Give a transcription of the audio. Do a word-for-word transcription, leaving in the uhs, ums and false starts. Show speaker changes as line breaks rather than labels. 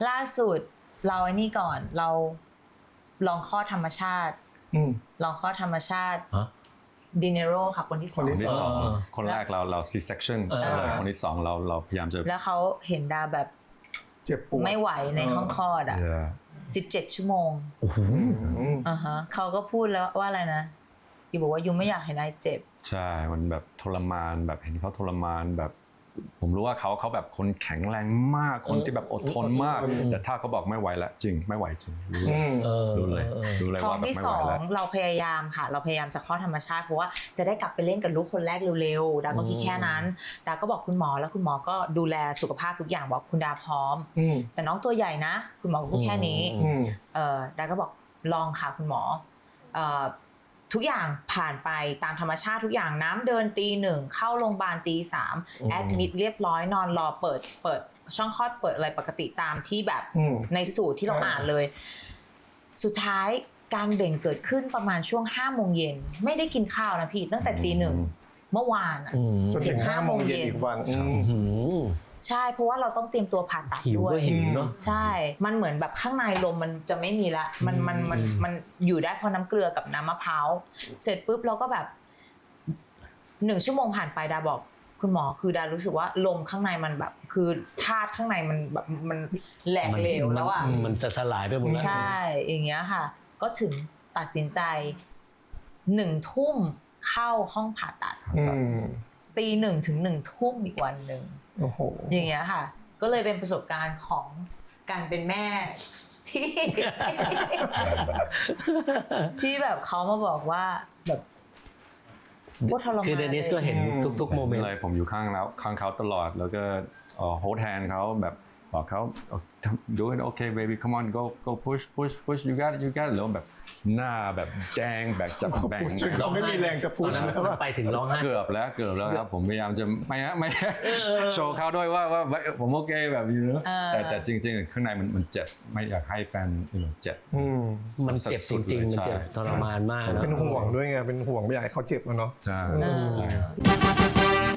ล่าสุดเราไอ้นี่ก่อนเราลองคลอดธรรมชาติลองคลอดธรรมชาติดิเนโรค่ะคนที่สอง
คนที่สองคนแรกเราเรา ซี เซคชั่น เลยคนที่สองเราเราพยายามจะ
แล้วเขาเห็นดาแบบ
เจ็บปวด
ไม่ไหวในห้องคลอดอ่ะสิบเจ็ดชั่วโมง
โอ้โห
อ่าฮะเขาก็พูดแล้วว่าอะไรนะยูบอกว่ายูไม่อยากเห็นนายเจ็บ
ใช่มันแบบทรมานแบบเห็นเขาทรมานแบบผมรู้ว่าเขาเขาแบบคนแข็งแรงมากคนที่แบบอดทนมากแต่ถ้าเขาบอกไม่ไหวแล้วจริงไม่ไหวจริงรู้เลยรู้เลยว่าแบบไม่ไหวแล้ว
ท้องที่สองเราพยายามค่ะเราพยายามจะคลอดธรรมชาติเพราะว่าจะได้กลับไปเล่นกับลูกคนแรกเร็วๆดาก็คิดแค่นั้นดาก็บอกคุณหมอแล้วคุณหมอก็ดูแลสุขภาพทุกอย่างบอกคุณดาพร้อมแต่น้องตัวใหญ่นะคุณหมอพูดแค่นี้เออดาก็บอกลองค่ะคุณหมอเอ่อทุกอย่างผ่านไปตามธรรมชาติทุกอย่างน้ำเดินตีหนึ่งเข้าโรงพยาบาลตีสามแอดมิดเรียบร้อยนอนรอเปิดเปิดช่องคลอดเปิดอะไรปกติตามที่แบบในสูตรที่เราอ่านเลยสุดท้ายการเบ่งเกิดขึ้นประมาณช่วงห้าโมงเย็นไม่ได้กินข้าวนะพี่ตั้งแต่ตีหนึ่งเมื่อวานอ่ะ
จนถึงห้าโมงเย็นอีกวัน
ใช่เพราะว่าเราต้องเตรียมตัวผ่าตัดด้วย
หิวเนาะ
ใช่มันเหมือนแบบข้างในลมมันจะไม่มีละมันมันมันมันอยู่ได้เพราะน้ำเกลือกับน้ำมะพร้าวเสร็จปุ๊บเราก็แบบหนึ่งชั่วโมงผ่านไปดาบอกคุณหมอคือดารู้สึกว่าลมข้างในมันแบบคือธาตุข้างในมันแบบมันแหลกเหลวแล้วอ่ะ
มันจะสลายไปหมดแล้ว
ใช่อย่างเงี้ยค่ะก็ถึงตัดสินใจหนึ่งทุ่มเข้าห้องผ่าตัดตีหนึ่งถึงหนึ่งทุ่มอีกวันหนึ่งอย่างเงี้ยค่ะก็เลยเป็นประสบการณ์ของการเป็นแม่ที่ ที่แบบเขามาบอกว่าแบบโคตรทรมาน
คือเดนิสก็เห็นทุกๆโมเมนต์
เลยผมอยู่ข้างแล้วข้างเขาตลอดแล้วก็โฮลด์แฮนด์เขาแบบบอกเขา do it okay baby come on go go push push push you got you got แล้วแบบหน้าแบบแดงแบบจับแบ่ง
เราไม่มีแรงจะพูดแล้วไปถึงร้องไห้
เกือบแล้วเกือบแล้วครับผมพยายามจะไม่ไม่โชว์เขาด้วยว่าว่าผมโอเคแบบนี้นะแต่แต่จริงๆข้างในมันมันเจ็บไม่อยากให้แฟนเจ็บ
มันเจ็บจริงๆมันเจ็บทรมานมาก
เป็นห่วงด้วยไงเป็นห่วงไม่อยากให้เขาเจ็บเนาะ
ใช่